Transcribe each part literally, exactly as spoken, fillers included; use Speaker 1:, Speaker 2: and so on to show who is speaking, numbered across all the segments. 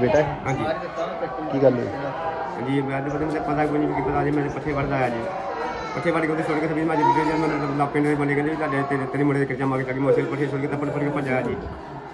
Speaker 1: बेटा है?
Speaker 2: हाँ जी
Speaker 1: की गल हुई?
Speaker 2: जी मैं तो पता मुझे पता कोई नहीं कि पता जी मैं पट्ठे वढ़ आया जी पट्ठे वढ़ के छोड़ के सभी मैं जी मैं पिंड में बने गए तेरे तेरे मुंडे के जमा के मैं पट्ठे छोड़ के तपड़ फड़ के भजाया जी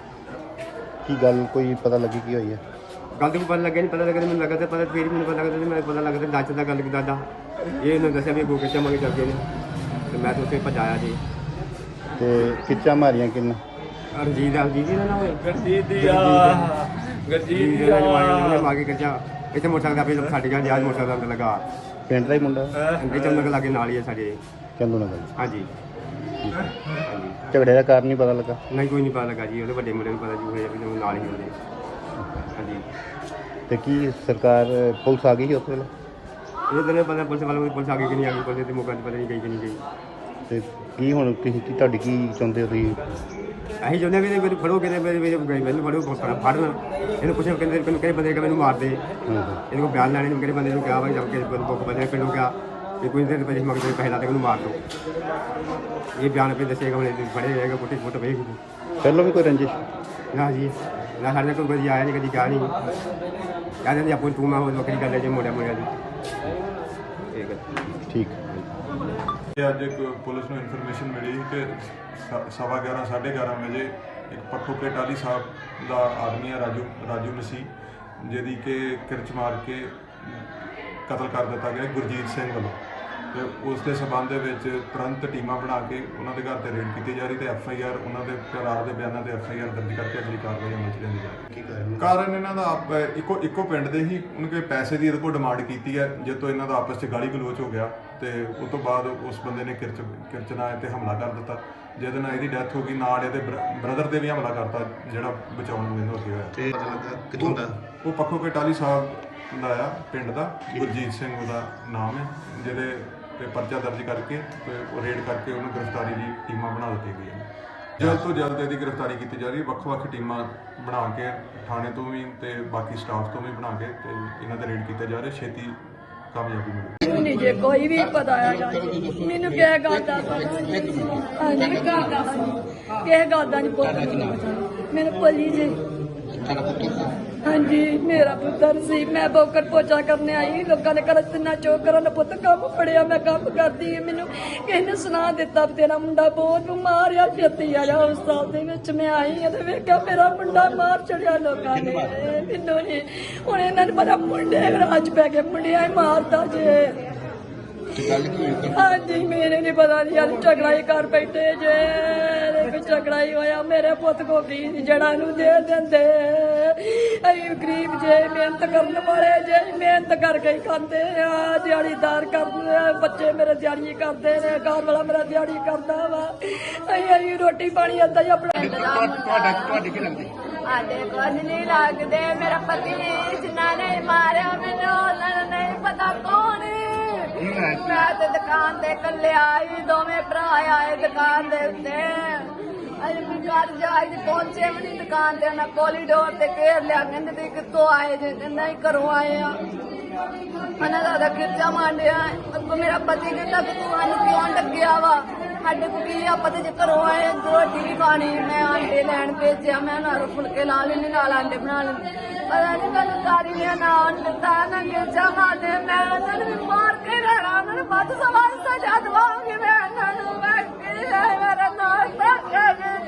Speaker 1: की गल कोई पता लगी की हुई है?
Speaker 2: गल तो पता लगे नहीं पता लगे मैंने लगा पता फिर मैंने पता लगा मैं पता लगा दाच का गल की दादा ये उन्होंने दसिया भी गो के जमा के चल गए तो मैं तो उसे भजाया जी
Speaker 1: ते किच्चा मारियां किन?
Speaker 2: रंजीत रंजीत जी ना
Speaker 3: गरजीत दी गरजीत दी
Speaker 2: मार के कच्चा इतने मोटरसाइकिल अपने साढ़े घर आज मोटरसाइकिल अंदर लगा
Speaker 1: पिंड का ही मुंडा?
Speaker 2: अंदर चंदन के लागे नाल ही है साढ़े
Speaker 1: चंदू नगर?
Speaker 2: हाँ जी हाँ जी
Speaker 1: झगड़े का कारण नहीं पता लगा?
Speaker 2: नहीं कोई नहीं पता लगा जी वो बड़े मुंडे पता जी हुए नाल ही होंगे हाँ जी
Speaker 1: ते की सरकार पुलिस आ गई उस वेले?
Speaker 2: ये तो नहीं पता पुलिस वालों पुलिस आ गई कि नहीं आ गई पुलिस तो मौका पता नहीं गई कि नहीं गई
Speaker 1: ਤੇ ਕੀ ਹੁਣ ਤੁਸੀਂ ਕੀ ਤੁਹਾਡੀ ਕੀ ਚਾਹੁੰਦੇ ਹੋ ਤੁਸੀਂ?
Speaker 2: ਅਸੀਂ ਚਾਹੁੰਦੇ ਵੀ ਮੈਨੂੰ ਫੜੋ ਕਿਤੇ ਮੇਰੇ ਮੇਰੇ ਮੈਨੂੰ ਫੜੋ ਫੜਨ ਇਹਨੂੰ ਪੁੱਛੋ ਕਹਿੰਦੇ ਮੈਨੂੰ ਕਿਹੜੇ ਬੰਦੇ ਕਿ ਮੈਨੂੰ ਮਾਰ ਦੇ ਇਹਨੂੰ ਕੋਈ ਬਿਆਨ ਲੈਣੇ ਨੂੰ ਕਿਹੜੇ ਬੰਦੇ ਨੂੰ ਕਿਹਾ ਵਾ ਜਦ ਕਿ ਬੁੱਕ ਬੰਦੇ ਪਿੰਡੋਂ ਕਿਹਾ ਕਿ ਕੋਈ ਦਿਨ ਪੈਸੇ ਮੰਗਦੇ ਪੈਸੇ ਲਾ ਦੇ ਮੈਨੂੰ ਮਾਰ ਦੋ ਇਹ ਬਿਆਨ ਆਪੇ ਦੱਸੇਗਾ ਉਹਨੇ ਫੜੇ ਜਾਏਗਾ ਕੁੱਟੀ ਫੁੱਟ ਵੇਖ
Speaker 1: ਪਹਿਲਾਂ ਵੀ ਕੋਈ ਰੰਜਿਸ਼?
Speaker 2: ਨਾ ਜੀ ਨਾ ਸਾਡੇ ਕੋਲ ਕਦੀ ਆਇਆ ਨਹੀਂ ਕਦੀ ਕਿਹਾ ਨਹੀਂ ਕਹਿੰਦੇ ਜੀ ਆਪੋ ਤੂੰ ਮੈਂ ਉਹ ਵੱਖਰੀ ਗੱਲ ਹੈ ਜੇ ਮੋੜਿਆ ਮੋੜਿਆ ਜੀ ਠੀਕ ਹੈ
Speaker 1: ਠੀਕ
Speaker 4: ਅੱਜ ਇੱਕ ਪੁਲਿਸ ਨੂੰ ਇਨਫੋਰਮੇਸ਼ਨ ਮਿਲੀ ਕਿ ਸਵਾ ਗਿਆਰਾਂ ਸਾਢੇ ਗਿਆਰਾਂ ਵਜੇ ਇੱਕ ਪੱਖੋ ਕੇ ਟਾਲੀ ਸਾਹਿਬ ਦਾ ਆਦਮੀ ਹੈ ਰਾਜੂ ਰਾਜੂ ਮਸੀਹ ਜਿਹਦੀ ਕਿ ਕਿਰਚ ਮਾਰ ਕੇ ਕਤਲ ਕਰ ਦਿੱਤਾ ਗਿਆ ਗੁਰਜੀਤ ਸਿੰਘ ਵੱਲੋਂ ਤੇ ਉਸ ਦੇ ਸਬੰਧ ਦੇ ਵਿੱਚ ਤੁਰੰਤ ਟੀਮਾਂ ਬਣਾ ਕੇ ਉਹਨਾਂ ਦੇ ਘਰ ਤੇ ਰੇਡ ਕੀਤੀ ਜਾ ਰਹੀ ਤੇ ਐਫ ਆਈ ਆਰ ਉਹਨਾਂ ਦੇ ਪਰਿਵਾਰ ਦੇ ਬਿਆਨਾਂ ਤੇ ਐਫ ਆਈ ਆਰ ਦਰਜ ਕਰਕੇ ਅਗਲੀ ਕਾਰਵਾਈ ਅਮਲ 'ਚ ਲਿਆਂਦੀ ਜਾ ਰਹੀ ਹੈ। ਕਾਰਨ ਇਹਨਾਂ ਦਾ ਆਪ ਇੱਕੋ ਇੱਕੋ ਪਿੰਡ ਦੇ ਹੀ ਉਹਨਾਂ ਕੇ ਪੈਸੇ ਦੀ ਇਹਦੇ ਕੋਲ ਡਿਮਾਂਡ ਕੀਤੀ ਹੈ ਜਿਸ ਤੋਂ ਇਹਨਾਂ ਦਾ ਆਪਸ 'ਚ ਗਾਲੀ ਗਲੋਚ ਹੋ ਗਿਆ ਤੇ ਉਸ ਤੋਂ ਬਾਅਦ ਉਸ ਬੰਦੇ ਨੇ ਕਿਰਚ ਕਿਰਚਨਾ ਤੇ ਹਮਲਾ ਕਰ ਦਿੱਤਾ ਜਿਹਦੇ ਨਾਲ ਇਹਦੀ ਡੈਥ ਹੋ ਗਈ ਨਾਲ ਇਹਦੇ ਬ੍ਰਦਰ ਤੇ ਵੀ ਹਮਲਾ ਕਰਤਾ ਜਿਹੜਾ ਬਚਾਉਣ ਨੂੰ ਇਹਨੂੰ ਅੱਗੇ ਹੋਇਆ।
Speaker 1: ਤੇ ਪਤਾ ਲੱਗਾ ਕਿੱਥੋਂ ਦਾ?
Speaker 4: ਉਹ ਪੱਖੋ ਕੇ ਟਾਲੀ ਸਾਹਿਬ ਦਾ ਆ ਪਿੰਡ ਦਾ ਗੁਰਜੀਤ ਸਿੰਘ ਉਹਦਾ ਨਾਮ ਹੈ ਜਿਹਦੇ ਤੇ ਪਰਚਾ ਦਰਜ ਕਰਕੇ ਤੇ ਉਹ ਰੇਡ ਕਰਕੇ ਉਹਨੂੰ ਗ੍ਰਿਫਤਾਰੀ ਦੀ ਟੀਮਾਂ ਬਣਾ ਦਿੱਤੀ ਗਈਆਂ ਨੇ। ਜਲਦ ਤੋਂ ਜਲਦ ਇਹਦੀ ਗ੍ਰਿਫਤਾਰੀ ਕੀਤੀ ਜਾ ਰਹੀ ਹੈ। ਵੱਖ-ਵੱਖ ਟੀਮਾਂ ਬਣਾ ਕੇ ਥਾਣੇ ਤੋਂ ਵੀ ਤੇ ਬਾਕੀ ਸਟਾਫ ਤੋਂ ਵੀ ਬਣਾ ਕੇ ਤੇ ਇਹਨਾਂ ਦੇ ਰੇਡ ਕੀਤੇ ਜਾ ਰਹੇ ਛੇਤੀ ਕਾਮਯਾਬੀ ਮਿਲੇਗੀ।
Speaker 5: ਮੈਨੂੰ ਜੇ ਕੋਈ ਵੀ ਪਤਾ ਹੈਗਾ ਮੈਨੂੰ ਕਿਹ ਗੱਲ ਦਾ ਪਤਾ ਨਹੀਂ ਗੱਲ ਦਾ ਕਿਹ ਗੱਲ ਦਾ ਨਹੀਂ ਪਤਾ ਮੈਨੂੰ ਭੁੱਲੀ ਜੇ ਹਾਂਜੀ ਮੇਰਾ ਪੁੱਤਰ ਸੀ ਮੈਂ ਬੋਕਰ ਪੋਚਾ ਕਰਨੇ ਆਈ ਲੋਕਾਂ ਨੇ ਕਰ ਤਿੰਨਾ ਚੋਕ ਕਰਨ ਪੁੱਤ ਕੰਮ ਫੜਿਆ ਮੈਂ ਕੰਮ ਕਰਦੀ ਹਾਂ ਮੈਨੂੰ ਕਿਸੇ ਨੇ ਸੁਣਾ ਦਿੱਤਾ ਤੇਰਾ ਮੁੰਡਾ ਬਹੁਤ ਬਿਮਾਰ ਆ ਛੇਤੀ ਆ ਜਾ ਹਸਪਤਾਲ ਦੇ ਵਿੱਚ ਮੈਂ ਆਈ ਹਾਂ ਤੇ ਵੇਖਿਆ ਮੇਰਾ ਮੁੰਡਾ ਮਾਰ ਚੜਿਆ ਲੋਕਾਂ ਨੇ ਮੈਨੂੰ ਨਹੀਂ ਹੁਣ ਇਹਨਾਂ ਨੇ ਪਤਾ ਮੁੰਡੇ ਰਾਜ ਪੈ ਕੇ ਮੁੰਡਿਆਂ ਹੀ ਮਾਰਦਾ ਜੇ ਹਾਂਜੀ ਮੇਰੇ ਨਹੀਂ ਪਤਾ ਨਹੀਂ ਯਾਰ ਝਗੜਾਈ ਕਰ ਬੈਠੇ ਜੇ ਕੋਈ ਝਗੜਾਈ ਹੋਇਆ ਮੇਰੇ ਪੁੱਤ ਕੋ ਕੀ ਜੜਾ ਨੂੰ ਦੇ ਦਿੰਦੇ ਅਸੀਂ ਗਰੀਬ ਜੇ ਮਿਹਨਤ ਕਰਨ ਵਾਲੇ ਜੇ ਮਿਹਨਤ ਕਰਕੇ ਹੀ ਖਾਂਦੇ ਆ ਦਿਹਾੜੀਦਾਰ ਕਰਦੇ ਆ ਬੱਚੇ ਮੇਰੇ ਦਿਹਾੜੀ ਕਰਦੇ ਨੇ ਘਰ ਵਾਲਾ ਮੇਰਾ ਦਿਹਾੜੀ ਕਰਦਾ ਵਾ ਅਸੀਂ ਅਸੀਂ ਰੋਟੀ ਪਾਣੀ ਏਦਾਂ ਹੀ ਆਪਣਾ
Speaker 1: ਤੁਹਾਡਾ ਤੁਹਾਡੀ ਕੀ ਲੱਗਦੀ?
Speaker 6: ਸਾਡੇ ਕੁਝ ਨਹੀਂ ਲੱਗਦੇ ਮੇਰਾ ਪਤੀ ਜਿਨ੍ਹਾਂ ਨੇ ਮਾਰਿਆ ਮੈਨੂੰ ਉਹਨਾਂ ਨੂੰ ਨਹੀਂ ਪਤਾ ਕੌਣ ਮੈਂ ਤੇ ਦੁਕਾਨ ਤੇ ਇਕੱਲੇ ਆਈ ਦੋਵੇਂ ਭਰਾ ਆਏ ਦੁਕਾਨ ਦੇ ਉੱਤੇ ਅਜੇ ਵੀ ਘਰ ਜਾ ਕੇ ਪਹੁੰਚੇ ਵੀ ਨਹੀਂ ਦੁਕਾਨ ਤੇ ਉਹਨਾਂ ਕੋਰੀਡੋਰ ਤੇ ਘੇਰ ਲਿਆ ਕਹਿੰਦੇ ਤੁਸੀਂ ਕਿੱਥੋਂ ਆਏ ਜੇ ਕਹਿੰਦਾ ਹੀ ਘਰੋਂ ਆਏ ਆ ਉਹਨਾਂ ਦਾ ਤਾਂ ਖਿੱਚਾ ਮਾਰਿਆ ਅੱਗੋਂ ਮੇਰਾ ਪਤੀ ਕਹਿੰਦਾ ਕਿ ਤੂੰ ਸਾਨੂੰ ਕਿਉਂ ਲੱਗਿਆ ਵਾ ਸਾਡੇ ਕੋਲ ਕੀ ਆਪਾਂ ਤੇ ਜੇ ਘਰੋਂ ਆਏ ਰੋਟੀ ਵੀ ਖਾਣੀ ਮੈਂ ਆਂਡੇ ਲੈਣ ਭੇਜਿਆ ਮੈਂ ਨਾਲ ਫੁਲਕੇ ਲਾ ਲੈਣੇ ਨਾਲ ਆਂਡੇ ਬਣਾ ਲੈਣੇ ਪਤਾ ਨਹੀਂ ਮੈਨੂੰ ਸਾਰੀ ਨੇ ਨਾ ਦਿੱਤਾ ਨਾ ਖਿੱਚਾ ਮਾਰਦੇ ਮੈਂ ਉਹਨਾਂ ਨੂੰ ਵੀ ਮਾਰ ਕੇ ਰਹਿਣਾ ਉਹਨਾਂ ਨੂੰ ਵੱਧ ਸਵਾਲ ਸਜ਼ਾ ਦਵਾਂਗੀ ਮੈਂ ਉਹਨਾਂ ਨੂੰ ਮੈਂ ਕੀ ਹੈ ਮੇਰਾ ਨਾਮ ਤਾਂ